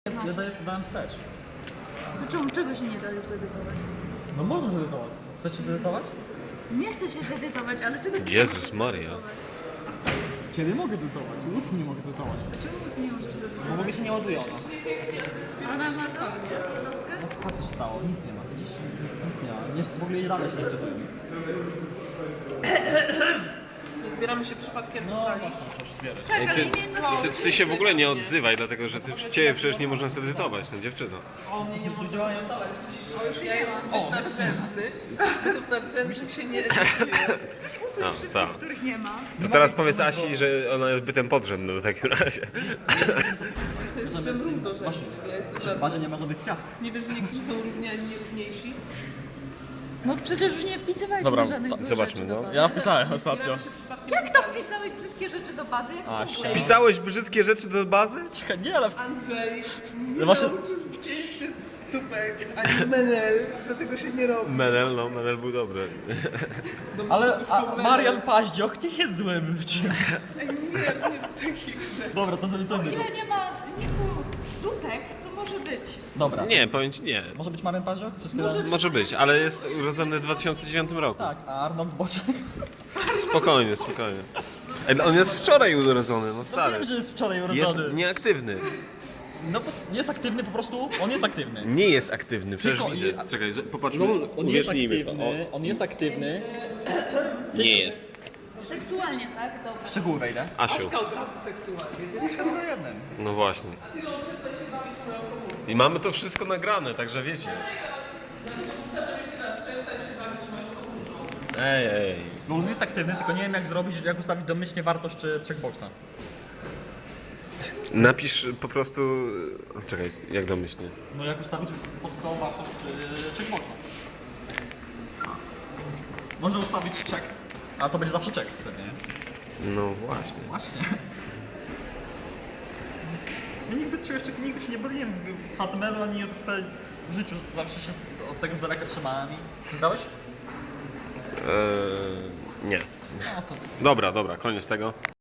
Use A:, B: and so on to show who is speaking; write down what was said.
A: Ja dałem wstecz.
B: To czego się nie da już zedytować?
A: No można zedytować. Chcesz się zedytować?
B: Nie chcę się zedytować, ale czego chcesz
C: Jezus Maria.
B: zedytować?
A: Ciebie mogę zedytować, nic nie mogę zedytować.
B: Czemu nic nie możesz
A: Bo
B: zedytować?
A: mogę się nie ładuje ona.
B: Ona ma co? Jednostkę?
A: A co się stało? Nic nie ma, widzisz? Nic nie ma. Nie, w ogóle jej dane się nie wczytują.
D: Nie zbieramy się przypadkiem
A: No
D: do sali.
A: właśnie, możesz zbierać.
B: Tak, ale nie jednostkę.
C: Ty się w ogóle nie odzywaj, dlatego że ciebie przecież nie można zedytować, no dziewczyno.
D: O mnie nie może działają. O, już ja jestem
A: O,
D: nadrzędny. Według nadrzędnych się nie
B: Weź usuń
C: No,
B: wszystkich,
C: tak.
B: których nie ma.
C: To teraz powiedz Asi, że ona jest bytem podrzędnym w takim razie.
D: jestem równorzędny. Ja jestem
A: W
D: żadny.
A: bazie nie ma żadnych kwiatów.
D: Nie wiesz, że niektórzy są równi, a inni równiejsi?
B: No przecież już nie wpisywałeś
A: Dobra,
B: żadnych złych
C: zobaczmy,
B: rzeczy do
C: no.
B: bazy.
A: Ja wpisałem ostatnio.
D: Zbieramy się przypadkiem
B: Jak
D: do
B: to
D: sali.
B: wpisałeś brzydkie rzeczy do bazy? Jak
A: A,
B: to
A: się.
B: było?
C: Pisałeś brzydkie rzeczy do bazy?
A: Czekaj, nie, ale...
D: Andrzej nie
A: No właśnie-
D: nauczył cię jeszcze tupek, ani menel, że tego się nie robi.
C: Menel, no, Menel był dobry.
A: Ale Marian Paździoch nie jest złym.
D: Ej, nie takich rzeczy.
A: Dobra, to zedytujmy go.
B: Ile nie ma niku dupek, to może być.
A: Dobra.
C: Nie, powiem ci nie.
A: Może być Marian Paździoch? Wszystkie
C: Może być, ale jest urodzony w 2009 roku.
A: Tak, a Arnold Boczek?
C: Spokojnie, spokojnie. Ej, on jest wczoraj urodzony, no
A: No
C: stary.
A: wiem, że jest wczoraj
C: Jest
A: urodzony.
C: nieaktywny.
A: No bo jest aktywny po prostu, on jest aktywny.
C: Nie jest aktywny, przecież
A: Tylko-
C: widzę. Czekaj, popatrzmy,
A: No, on jest
C: uwierznijmy to.
A: aktywny, on jest aktywny.
C: Nie jest.
B: Seksualnie, tak? Dobra.
A: W szczegóły wejdę.
C: Asiu,
D: Od razu seksualnie.
A: Jest tylko jeden.
C: no właśnie. I mamy to wszystko nagrane, także wiecie. Ej.
A: No on jest aktywny, tylko nie wiem jak zrobić, jak ustawić domyślnie wartość checkboxa.
C: Napisz po prostu... Czekaj, jak domyślnie?
A: No jak ustawić podstawową wartość checkboxa. Można ustawić checked, a to będzie zawsze checked wtedy, nie?
C: No właśnie.
A: Właśnie. Ja nigdy się nie bawiłem w HTML-u ani JSP w życiu, zawsze się od tego z daleka trzymałem i... Grałeś?
C: Nie.
A: No to...
C: Dobra, koniec tego.